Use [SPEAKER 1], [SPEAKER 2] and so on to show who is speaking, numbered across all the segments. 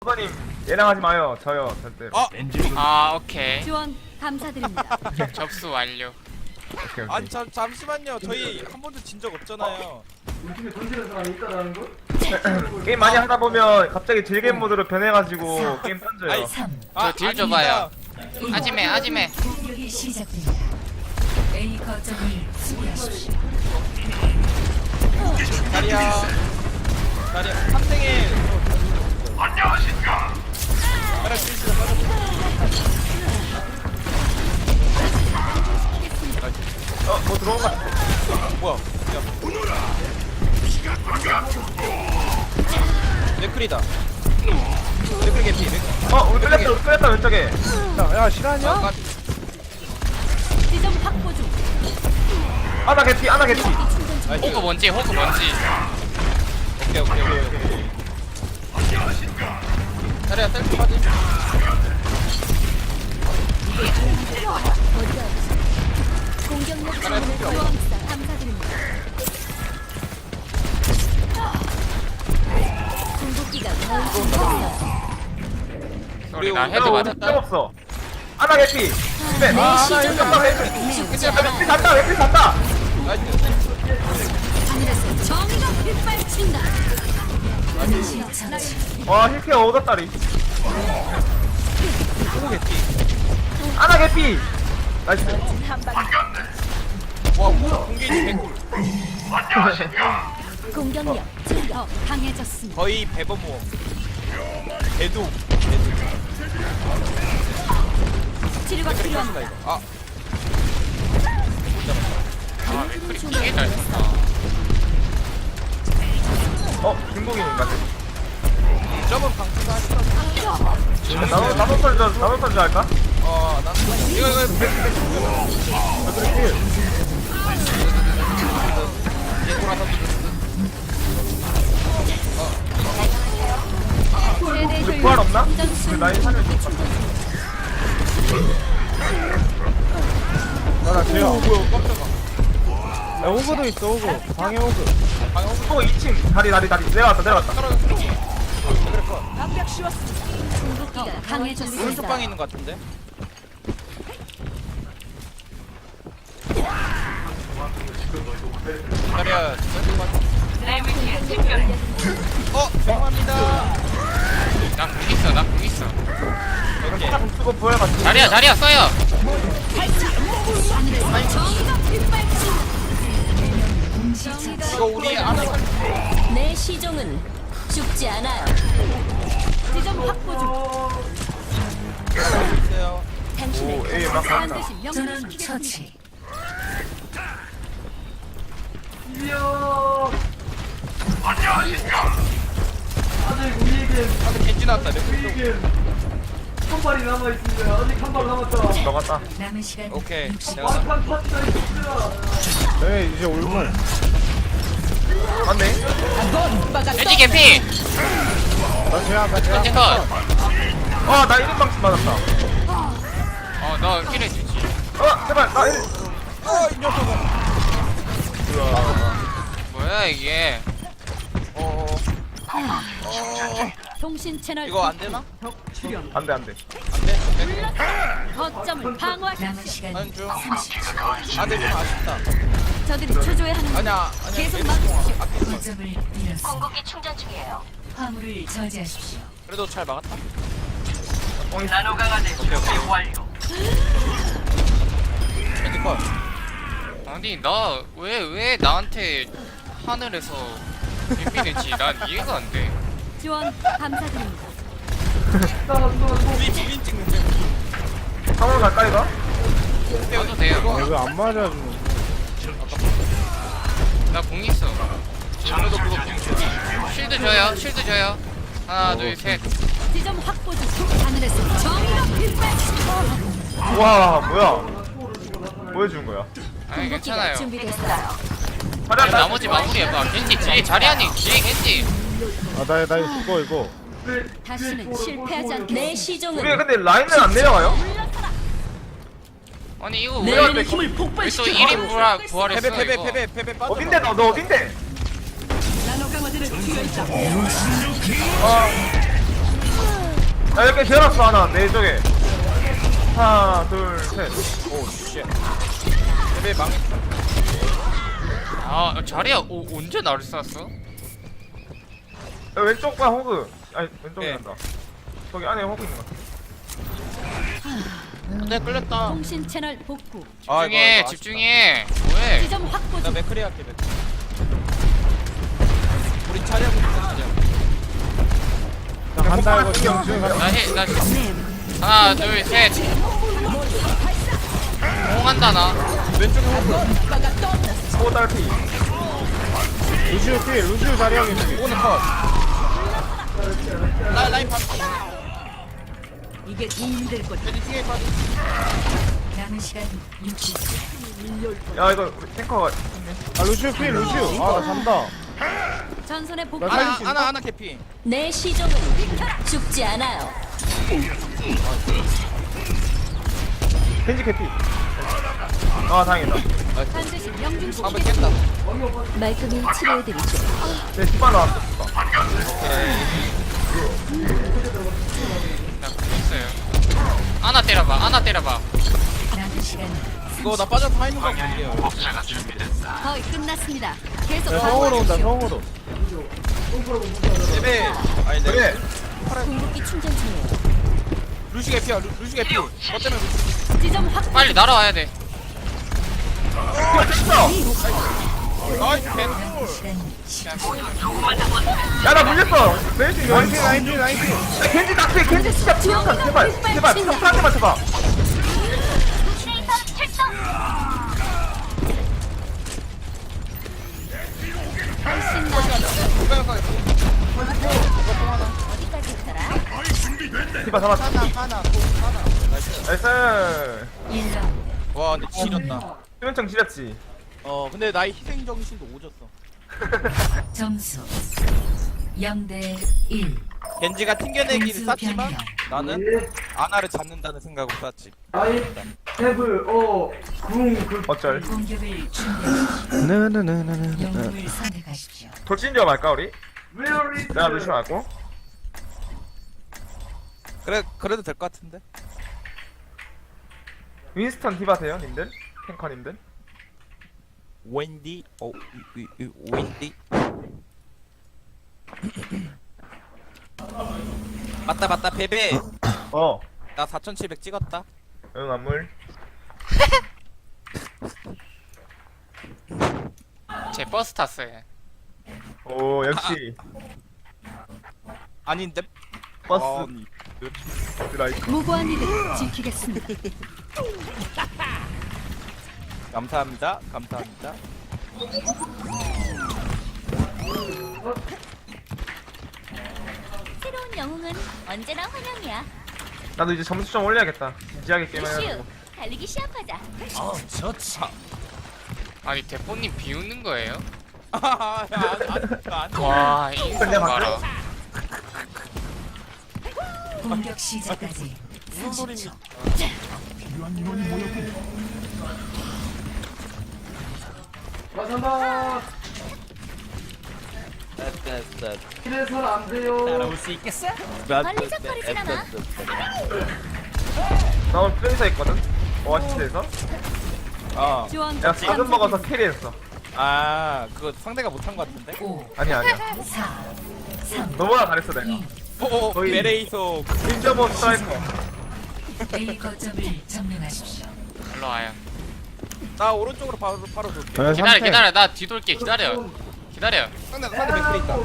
[SPEAKER 1] 호거님 얘랑 하지 마요. 저요 절대.
[SPEAKER 2] 아 오케이.
[SPEAKER 3] 지원 감사드립니다.
[SPEAKER 2] 접수 완료.
[SPEAKER 1] 오케이, 오케이.
[SPEAKER 4] 아니 잠시만요. 저희 한 번도 진 적 없잖아요.
[SPEAKER 1] 게임 많이 하다 보면 갑자기 딜게임 모드로 변해가지고 게임 던져요.
[SPEAKER 2] 저 딜 줘봐요. 아지매 아지매.
[SPEAKER 5] 공격이 시작됩니다. A 거점을 수비하십시오.
[SPEAKER 4] 다리야. 다리야. 3등에 안녕하십니까. 다리야 스위치가
[SPEAKER 1] 뭐 들어온 거 같아.
[SPEAKER 4] 뭐야? 야. 레클이다. 레클 개피.
[SPEAKER 1] 우리 끌렸다 왼쪽에.
[SPEAKER 6] 야 실화냐?
[SPEAKER 4] 아,
[SPEAKER 3] 지점 확보 중.
[SPEAKER 1] 아나 개피 아나 개피.
[SPEAKER 2] 호그 뭔지 호그 뭔지.
[SPEAKER 4] 오케이. 다리야 셀프 빠지.
[SPEAKER 3] 공격력 증문을 보여합니다. 감사드립니다. 궁극기가 거의 준비됐어요.
[SPEAKER 2] 소리 나 헤드 맞았다.
[SPEAKER 1] 없어. 아나 개피. 네.
[SPEAKER 3] 내 시점을
[SPEAKER 1] 웨피 산다 웨피 산다.
[SPEAKER 3] 하늘에서 정의가 빗발친다.
[SPEAKER 1] 와 힐케어 얻었다리. 아나 개피. 나이스.
[SPEAKER 4] 와 공개지 개꿀.
[SPEAKER 3] 공격력 더 강해졌습니다.
[SPEAKER 4] 거의 배번 모험. 배도.
[SPEAKER 3] 치료가 필요합니다.
[SPEAKER 4] 아
[SPEAKER 2] 아 맥클이 되게 잘 썼다.
[SPEAKER 1] 중국인인가?
[SPEAKER 4] 점은 방수가 하니까.
[SPEAKER 1] 나도 썰줄 할까?
[SPEAKER 4] 난 이거
[SPEAKER 1] 우리 부활 없나? 우리 라인 살려.
[SPEAKER 6] 나나 제야.
[SPEAKER 4] 뭐야 깜짝아.
[SPEAKER 6] 야 호그도 있어 호그. 방해 호그.
[SPEAKER 1] 또 2층 다리 내려갔다.
[SPEAKER 3] 궁극기가 강해졌습니다.
[SPEAKER 4] 오른쪽 방에 있는 것 같은데. 자리야. 죄송합니다.
[SPEAKER 2] 나 궁 있어.
[SPEAKER 4] 오케이.
[SPEAKER 1] 쓰고 부활
[SPEAKER 2] 자리야 써요.
[SPEAKER 3] 정의가 빗발친다.
[SPEAKER 4] 이거 우리 아는
[SPEAKER 3] 내 시종은 죽지 않아요. 지점 확보 중.
[SPEAKER 4] 있어요.
[SPEAKER 3] 당신의
[SPEAKER 1] 에이 막 간다.
[SPEAKER 3] 반드시
[SPEAKER 5] 저는
[SPEAKER 3] 명령시키겠습니다.
[SPEAKER 5] 처치.
[SPEAKER 4] 아까 겐지 나왔다. 레클
[SPEAKER 1] 너갔다.
[SPEAKER 5] 남은 시간
[SPEAKER 4] 오케이.
[SPEAKER 5] 60초.
[SPEAKER 4] 내가
[SPEAKER 6] 네 이제 올문.
[SPEAKER 1] 맞네.
[SPEAKER 2] 돼지 개피.
[SPEAKER 6] 나 제야 나 제야.
[SPEAKER 2] 현재 컷.
[SPEAKER 1] 나 1인 방침 맞았다.
[SPEAKER 2] 너 힐해주지.
[SPEAKER 1] 제발 나 1.
[SPEAKER 4] 이 녀석아.
[SPEAKER 2] 뭐야 이게.
[SPEAKER 3] 통신 채널
[SPEAKER 4] 이거 안 되나?
[SPEAKER 1] 안돼.
[SPEAKER 4] 안 돼.
[SPEAKER 3] 거점을 방어하십시오.
[SPEAKER 5] 남은 시간
[SPEAKER 4] 난 좀.
[SPEAKER 5] 30초.
[SPEAKER 4] 안 돼. 좀 아쉽다.
[SPEAKER 3] 저들이 초조해 하는
[SPEAKER 4] 아니야.
[SPEAKER 3] 계속 막으십시오.
[SPEAKER 5] 거점을 잃었습니다.
[SPEAKER 3] 공격기 충전 중이에요.
[SPEAKER 5] 화물을 저지하십시오.
[SPEAKER 4] 그래도 잘 막았다. 겐지 컷.
[SPEAKER 2] 아니 나 왜 나한테 하늘에서 비비는지 난 이해가 안 돼.
[SPEAKER 3] 지원 감사드립니다.
[SPEAKER 4] 우리 비빈 찍는데.
[SPEAKER 1] 상황 가까이 가?
[SPEAKER 2] 해도 돼요.
[SPEAKER 6] 왜안 맞아주는?
[SPEAKER 2] 나 공 있어.
[SPEAKER 4] 그래도 그거
[SPEAKER 2] 쉴드 줘요. 하나 둘 셋.
[SPEAKER 3] 지점 확보 중. 하늘에서 정의가 빗발친다.
[SPEAKER 1] 와 뭐야? 보여준 거야.
[SPEAKER 2] 아니
[SPEAKER 3] 궁극기가
[SPEAKER 2] 괜찮아요.
[SPEAKER 3] 준비됐어요.
[SPEAKER 2] 아니, 나머지 마무리해봐. 겐지 뒤에 자리하니 뒤에 겐지.
[SPEAKER 6] 아나 이거 이거.
[SPEAKER 3] 다시는 실패하지 않게. 내 시종은
[SPEAKER 1] 우리 근데 라인은 안 내려가요?
[SPEAKER 2] 아니 이거
[SPEAKER 3] 내
[SPEAKER 2] 왜
[SPEAKER 3] 안의 힘을
[SPEAKER 2] 또
[SPEAKER 3] 폭발시켜.
[SPEAKER 2] 1인 부활했어 이거.
[SPEAKER 4] 패배 빠져.
[SPEAKER 1] 어딘데 너 어딘데? 야 이렇게 재놨어 하나 내 쪽에. 하나 둘 셋.
[SPEAKER 4] 오 쉣. 베베 망했다.
[SPEAKER 2] 아 자리야 언제 나를 쐈어?
[SPEAKER 1] 야, 왼쪽 봐 호그. 아니 왼쪽이
[SPEAKER 4] 네.
[SPEAKER 1] 난다. 저기 안에 호그 있는 거 같아.
[SPEAKER 2] 내 끌렸다.
[SPEAKER 3] 통신 채널 복구.
[SPEAKER 2] 집중해 집중해. 뭐해?
[SPEAKER 3] 지점 확보
[SPEAKER 4] 나
[SPEAKER 3] 중.
[SPEAKER 4] 맥크리 할게 맥크리. 우리 차려고 있다 차려.
[SPEAKER 6] 자 간다 이거 지금 간다.
[SPEAKER 2] 나 하나 둘 셋. 공한다 나.
[SPEAKER 4] 왼쪽에 호그.
[SPEAKER 1] 호그 딸피.
[SPEAKER 6] 루시오 필 루시오 자리하게 필.
[SPEAKER 4] 오늘 컷. 라인 반.
[SPEAKER 3] 이게 힘들 것.
[SPEAKER 4] 왼쪽 뒤에 빠져.
[SPEAKER 5] 남은 시간 60초.
[SPEAKER 1] 야 이거 우리 탱커가
[SPEAKER 6] 아 루시오 필 루시오. 아나 잔다.
[SPEAKER 3] 전선의 복구.
[SPEAKER 6] 나 살릴 수 있나?
[SPEAKER 4] 하나 개피.
[SPEAKER 3] 내 시종은 죽지 않아요.
[SPEAKER 1] 겐지 캐피. 아 다행이다.
[SPEAKER 3] 반드시 명중시키겠습니다.
[SPEAKER 4] 방금 깼다.
[SPEAKER 3] 말끔히 치료해드리죠.
[SPEAKER 1] 내 뒷발 나왔어.
[SPEAKER 2] 나 끌렸어요. 하나 때려봐. 하나 때려봐.
[SPEAKER 5] 남은 시간
[SPEAKER 4] 이거 나 빠져서 하이는 거 볼게요.
[SPEAKER 3] 거의 끝났습니다. 계속
[SPEAKER 6] 야 성으로 온다
[SPEAKER 3] 방어하십시오.
[SPEAKER 6] 성으로.
[SPEAKER 4] 베베. 아니 내
[SPEAKER 1] 그래.
[SPEAKER 3] 궁극기 충전 중이에요.
[SPEAKER 4] 루시 개피야. 루시 개피. 너 때문에 루시.
[SPEAKER 3] 지점 확보.
[SPEAKER 2] 빨리 날아와야 돼.
[SPEAKER 4] 나이스 캔.
[SPEAKER 5] 남은 시간 10초.
[SPEAKER 1] 야나 물렸어. 벤지
[SPEAKER 6] 나인틴 나인틴 나인틴.
[SPEAKER 1] 겐지 낙지 겐지 진짜 제발 제발 평타한테만 쳐봐.
[SPEAKER 3] 훨씬 나. 어디까지 있더라?
[SPEAKER 1] 디바 잡았어.
[SPEAKER 4] 하나.
[SPEAKER 1] 나이스.
[SPEAKER 5] 1라운드.
[SPEAKER 4] 와 근데 지렸다.
[SPEAKER 1] 수면청 지렸지.
[SPEAKER 4] 근데 나의 희생 정신도 오졌어.
[SPEAKER 5] 점수 0대 1.
[SPEAKER 4] 겐지가 튕겨내기를
[SPEAKER 5] 공수
[SPEAKER 4] 쌌지만
[SPEAKER 5] 변경.
[SPEAKER 4] 나는 아나를 잡는다는 생각으로 쌌지.
[SPEAKER 1] 어쩔.
[SPEAKER 5] 공격을 준비하십시오. 영웅을 선택하십시오.
[SPEAKER 1] 돌진저 말까 우리? 내가 루시오 말고.
[SPEAKER 4] 그래도 될 것 같은데.
[SPEAKER 1] 윈스턴 디바 돼요 님들? 탱커님들?
[SPEAKER 4] 웬디. 웬디. 맞다 베베.
[SPEAKER 1] 어.
[SPEAKER 4] 나 4,700 찍었다.
[SPEAKER 1] 응 안물.
[SPEAKER 2] 제 버스 탔어 얘.
[SPEAKER 1] 오 역시
[SPEAKER 4] 아닌데.
[SPEAKER 1] 버스 드라이브.
[SPEAKER 3] 무고한 이들 지키겠습니다.
[SPEAKER 4] 감사합니다.
[SPEAKER 3] 새로운 영웅은 언제나 환영이야.
[SPEAKER 1] 나도 이제 점수 좀 올려야겠다. 진지하게 게임해가지고.
[SPEAKER 3] 달리기 시합하자.
[SPEAKER 2] 아니 대포님 비웃는 거예요?
[SPEAKER 4] 안
[SPEAKER 2] 와 인성 봐라.
[SPEAKER 5] 공격 시작까지
[SPEAKER 4] 무슨 소리입니까?
[SPEAKER 5] 30초.
[SPEAKER 4] 따라올 수 있겠어?
[SPEAKER 3] 걸리적거리진 않아.
[SPEAKER 1] 나 오늘 프랜서 있거든? 오아시스에서?
[SPEAKER 3] 지원
[SPEAKER 1] 내가 4점 먹어서 캐리했어.
[SPEAKER 4] 그거 상대가 못한 것 같은데?
[SPEAKER 5] 5,
[SPEAKER 1] 아니야
[SPEAKER 5] 4, 3,
[SPEAKER 1] 너보다 잘했어 내가.
[SPEAKER 5] 2.
[SPEAKER 1] 거의-
[SPEAKER 4] 메레이소.
[SPEAKER 1] 윈저버 스트라이커.
[SPEAKER 5] A 거점을 점령하십시오.
[SPEAKER 2] 일로 와요.
[SPEAKER 4] 나 오른쪽으로 바로 돌게.
[SPEAKER 2] 기다려 나 뒤돌게 기다려.
[SPEAKER 4] 상대 맥클이 있다.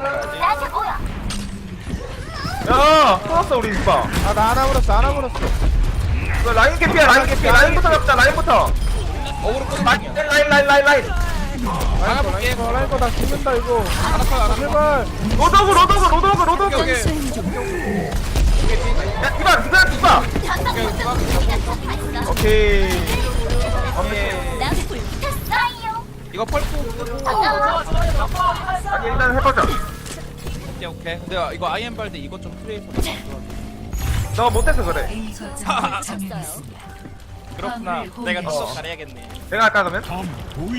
[SPEAKER 1] 야! 끊었어 우리 이봐.
[SPEAKER 6] 아나 하나 물었어.
[SPEAKER 1] 이거 라인 캐피야 라인부터 잡자 라인부터.
[SPEAKER 4] 어그로 끄는
[SPEAKER 1] 라인
[SPEAKER 4] 중이야.
[SPEAKER 1] 라인.
[SPEAKER 4] 막아볼게.
[SPEAKER 6] 라인 거나 죽는다 이거.
[SPEAKER 4] 알았어.
[SPEAKER 6] 제발.
[SPEAKER 1] 로도그.
[SPEAKER 4] 오케이.
[SPEAKER 3] 수행 중.
[SPEAKER 1] 야 디바. 오케이.
[SPEAKER 3] 나 불탔어요.
[SPEAKER 4] 이거 펄프.
[SPEAKER 1] 아니 일단 해보자.
[SPEAKER 4] 오케이. 근데 이거 아이엠 발대 이거 좀 트레이서.
[SPEAKER 1] 너 못해서 그래.
[SPEAKER 5] A 거점을 점령했습니다.
[SPEAKER 4] 그렇구나.
[SPEAKER 5] 화물을
[SPEAKER 4] 내가 더
[SPEAKER 5] 공유하십시오.
[SPEAKER 4] 잘해야겠네.
[SPEAKER 1] 내가 할까 그러면?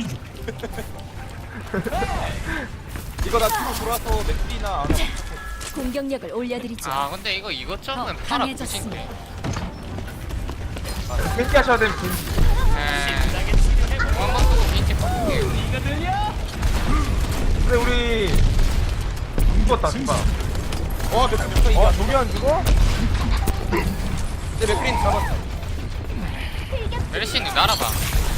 [SPEAKER 4] 이거 나 뒤로 돌아서 맥클이나 안 하고.
[SPEAKER 3] 공격력을 올려드리죠.
[SPEAKER 2] 아 근데 이거 이것저것
[SPEAKER 3] 더
[SPEAKER 2] 팔아
[SPEAKER 3] 강해졌습니다.
[SPEAKER 2] 붙인데.
[SPEAKER 1] 겐지 하셔야 되면 겐지.
[SPEAKER 2] 한번 쓰고 겐지 바꿀게요.
[SPEAKER 1] 근데 우리 죽었다 죽어.
[SPEAKER 4] 와 맥크린 이겨.
[SPEAKER 6] 저기 안 죽어?
[SPEAKER 4] 내 맥크린 잡았어.
[SPEAKER 2] 메르시님 날아봐.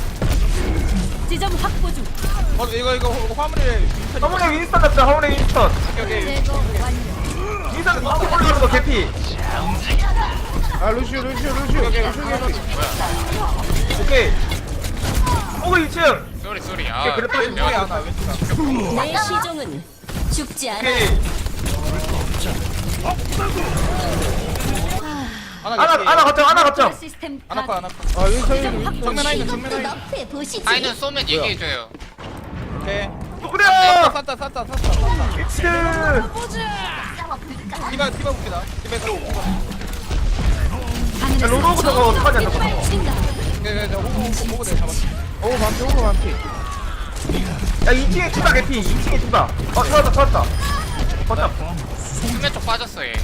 [SPEAKER 3] 지점 확보 중.
[SPEAKER 4] 이거 화물에 윈스턴.
[SPEAKER 1] 화물에 윈스턴 잡자. 화물에 윈스턴.
[SPEAKER 3] 제거 완료.
[SPEAKER 1] 윈스턴 어떻게 올라가는 거 개피.
[SPEAKER 6] 아 루시오
[SPEAKER 1] 오케이. 호그 2층.
[SPEAKER 2] 쏘리.
[SPEAKER 1] 오케이, 그래 빠진
[SPEAKER 4] 왼쪽에
[SPEAKER 1] 거야.
[SPEAKER 4] 하나 왼쪽에 하나.
[SPEAKER 3] 내 시종은 죽지 않아.
[SPEAKER 1] 오케이. 하나 거점.
[SPEAKER 3] 시스템
[SPEAKER 4] 하나
[SPEAKER 3] 파괴.
[SPEAKER 4] 거.
[SPEAKER 6] 아 윈서이
[SPEAKER 3] 지점 확보.
[SPEAKER 4] 정면 라인,
[SPEAKER 3] 이것도
[SPEAKER 4] 정면 라인.
[SPEAKER 3] 너프해 보시지.
[SPEAKER 2] 아이는 쏘면 얘기해줘요.
[SPEAKER 4] 오케이.
[SPEAKER 1] 누구려?
[SPEAKER 4] 쌌다.
[SPEAKER 1] 미츠.
[SPEAKER 4] 디바 볼게다.
[SPEAKER 1] 야, 로로부터 저거 어떡하냐 저거.
[SPEAKER 4] 호구 내가 잡았어.
[SPEAKER 6] 오 반피
[SPEAKER 1] 야 2층에 투다 개피. 2층에 투다. 찾았다. 거점.
[SPEAKER 2] 수면 쪽 빠졌어 얘.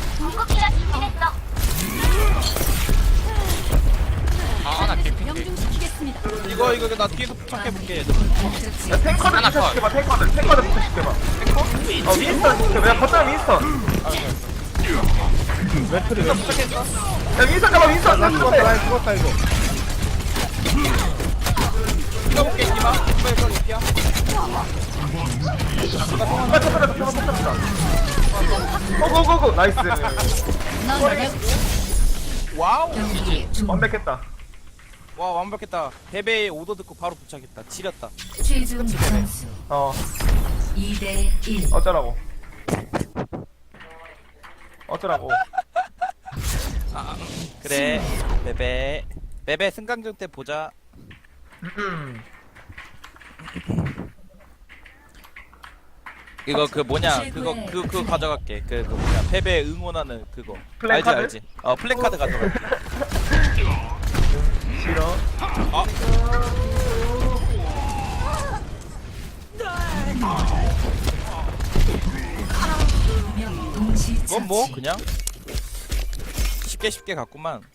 [SPEAKER 2] 나 개피.
[SPEAKER 3] 명중시키겠습니다.
[SPEAKER 4] 이거 나 뒤에서 부착해볼게.
[SPEAKER 1] 야 탱커들
[SPEAKER 2] 하나
[SPEAKER 1] 부셔시켜봐. 탱커들 부셔시켜봐. 윈스턴 시켜봐. 야 거점 윈스턴.
[SPEAKER 6] 맥크리
[SPEAKER 1] 야 윈스턴 잡아. 윈스턴.
[SPEAKER 6] 나 죽었다 라인 죽었다 이거
[SPEAKER 4] 디바 볼게 디바. 디바에서 높이야.
[SPEAKER 1] 고고고고. 나이스.
[SPEAKER 3] 넌내
[SPEAKER 4] 와우.
[SPEAKER 5] 경기 중
[SPEAKER 1] 완벽했다.
[SPEAKER 4] 와 완벽했다. 베베의 오더 듣고 바로 부착했다. 지렸다.
[SPEAKER 5] 최종 점수 2대 1.
[SPEAKER 1] 어쩌라고.
[SPEAKER 4] 그래. 베베 승강전 때 보자. 이거 그 뭐냐 그거 가져갈게. 그 뭐냐 패배 응원하는 그거.
[SPEAKER 1] 플랜카드?
[SPEAKER 4] 알지. 플랜카드 가져갈게.
[SPEAKER 1] 싫어.
[SPEAKER 5] 명 동시
[SPEAKER 4] 이건 뭐 그냥 쉽게 갔구만.